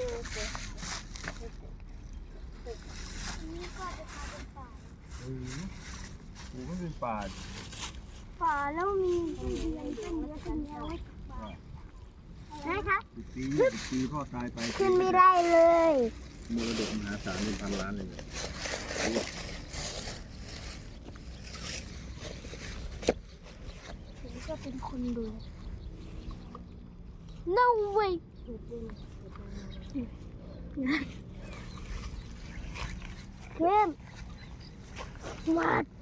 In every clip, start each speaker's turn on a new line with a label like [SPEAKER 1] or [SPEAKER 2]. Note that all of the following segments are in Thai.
[SPEAKER 1] นี่ก็จะพาเป็นป่า
[SPEAKER 2] ปูไม่เป็นป่า
[SPEAKER 1] ป่าแล้วมีเป็นเยอะขึ้นเยอะนะคะ
[SPEAKER 2] ปีพ่อตายไป
[SPEAKER 1] ขึ้นไม่ได้เลย
[SPEAKER 2] มรดกมหาศาลเป็นพันล้านเลย
[SPEAKER 1] ผมก็เป็นคนดู No way เข้มวัด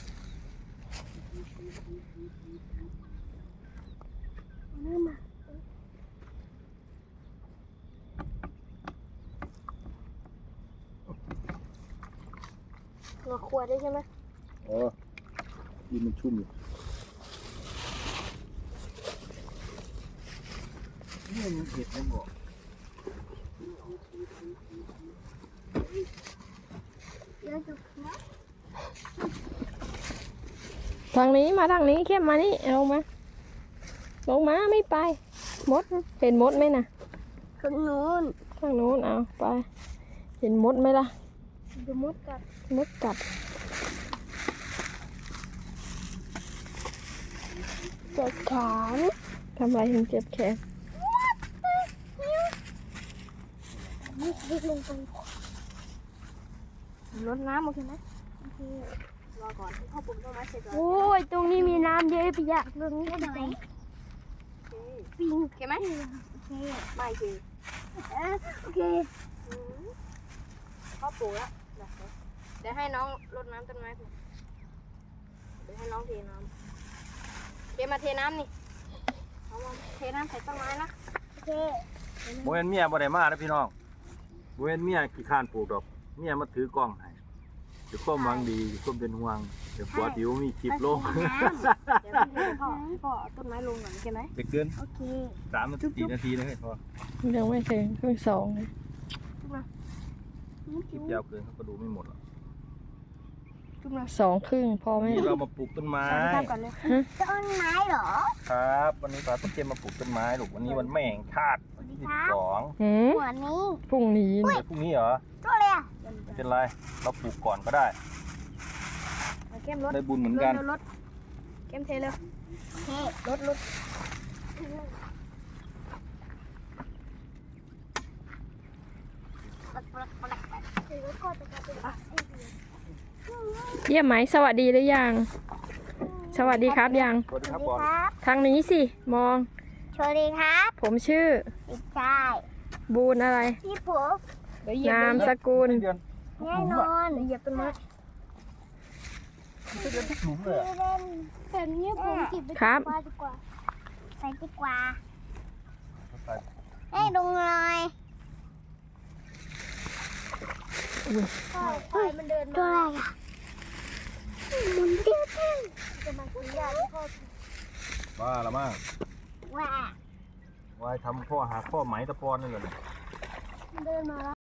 [SPEAKER 1] นี่มาเราขวดได้ใช่ไหม
[SPEAKER 2] อ๋อดินมันชุ่มอยู่นี่มันเผ็ดนะบอก
[SPEAKER 1] เดี๋ยวจุกนะ
[SPEAKER 3] ทางนี้มาทางนี้เข้มมานี่ลงมาไม่ไปมดเห็นมดไหมนะ
[SPEAKER 1] ข้างนู้น
[SPEAKER 3] ทางนู้นเอาไปเห็นมดไหมล่ะ
[SPEAKER 1] ดูมดกัด
[SPEAKER 3] มดกัด
[SPEAKER 1] เจ็บแขน
[SPEAKER 3] ทำไมถึงเจ็บแขน
[SPEAKER 1] นี่ดึงลงไปรดน้ำโอเคไหมโอเครอก่อนที่พ่อปุ่มต้นไม้เสร็จก่อนโอ้ยตรงนี้มีน้ำเยอะไปอยากตรงนี้ไหนปิงโอเคไหมโอเคไม่โอเคโอเค
[SPEAKER 3] พ่อปลูกแล้วเดี๋ยวให้น้องรดน้ำต้นไม้ผมเดี๋ยวให้น้องเทน้ำเทมาเทน้ำนี่เอามาเทน้ำใส่ต้นไม้นะ
[SPEAKER 1] โอเค
[SPEAKER 2] โมเอนเมียบ่ได้มาแล้วพี่น้องโมเอนเมียขี้ข้านปลูกดอกเมียมาถือกล้องให้เดี๋ยวความหวังดีความเป็นห่วงเดี๋ยวปวดหิวมีคลิปลง
[SPEAKER 3] เดี๋ยวให้พ่อเอาต้นไม้ลงก่อนโอเคไหม
[SPEAKER 2] เด็กเกิน
[SPEAKER 1] โอเค
[SPEAKER 2] 3 นาที4 นาทีนะให้พอ
[SPEAKER 3] ยังไม่ถึงเพิ่ง2เลย
[SPEAKER 2] คลิปยาวเกินเขาก็ดูไม่หมดหรอก
[SPEAKER 3] 2 ครึ่งพอไหม
[SPEAKER 2] นี่เรามาปลูกต้นไม้
[SPEAKER 3] ทำก่อนเลย
[SPEAKER 1] ต้นไม้เหรอ
[SPEAKER 2] ครับ วันนี้ปลาต้นเกมมาปลูกต้นไม้ลูกวันนี้วันแม่แห่งชาติวันที่12
[SPEAKER 3] หืม
[SPEAKER 1] หัวนี้
[SPEAKER 3] พรุ่งนี้
[SPEAKER 2] เดี๋ยวพรุ่งนี้เหรอ
[SPEAKER 1] ตัวอะไรอ่ะ
[SPEAKER 2] ไม่เป็นไรเราปลูกก่อนก็ได้
[SPEAKER 3] เอาเข้มรถ
[SPEAKER 2] ได้บุญเหมือนกัน
[SPEAKER 3] รถเข้มเทเลย
[SPEAKER 1] เฮ้
[SPEAKER 3] รถ เยี่ยมไหมสวัสดีหรือยัง สวัสดีครับยัง
[SPEAKER 2] สวัสดี
[SPEAKER 1] ส
[SPEAKER 2] ค
[SPEAKER 1] วั
[SPEAKER 2] รับ
[SPEAKER 1] สดี
[SPEAKER 2] บอล
[SPEAKER 1] ครับ
[SPEAKER 3] ทางนี้สิมอง
[SPEAKER 1] สวัสดีครับ
[SPEAKER 3] ผมชื่อ
[SPEAKER 1] พี่ชาย
[SPEAKER 3] บูนอะไร
[SPEAKER 1] พี่ผม
[SPEAKER 3] นามสกุล
[SPEAKER 2] เดือน
[SPEAKER 1] แน่นอน
[SPEAKER 3] เหยียบต้นไม้
[SPEAKER 2] เดือนทุกหลุมเลย
[SPEAKER 1] พี่เล่นแบบนี้ผมจิบไป
[SPEAKER 3] ครับ
[SPEAKER 1] ดีกว่าใส่ดีกว่า
[SPEAKER 2] อะ
[SPEAKER 1] ให้ลงเลยพ่อมันเดินมาตัวอะไรอ่ะมันเดินจะมากินยาที่พ่อ
[SPEAKER 2] บ้าละมั่ง
[SPEAKER 1] ว่าว
[SPEAKER 2] ายทำข้อหาข้อไหมตะปอนนั่นแหละ
[SPEAKER 1] มันเดินมา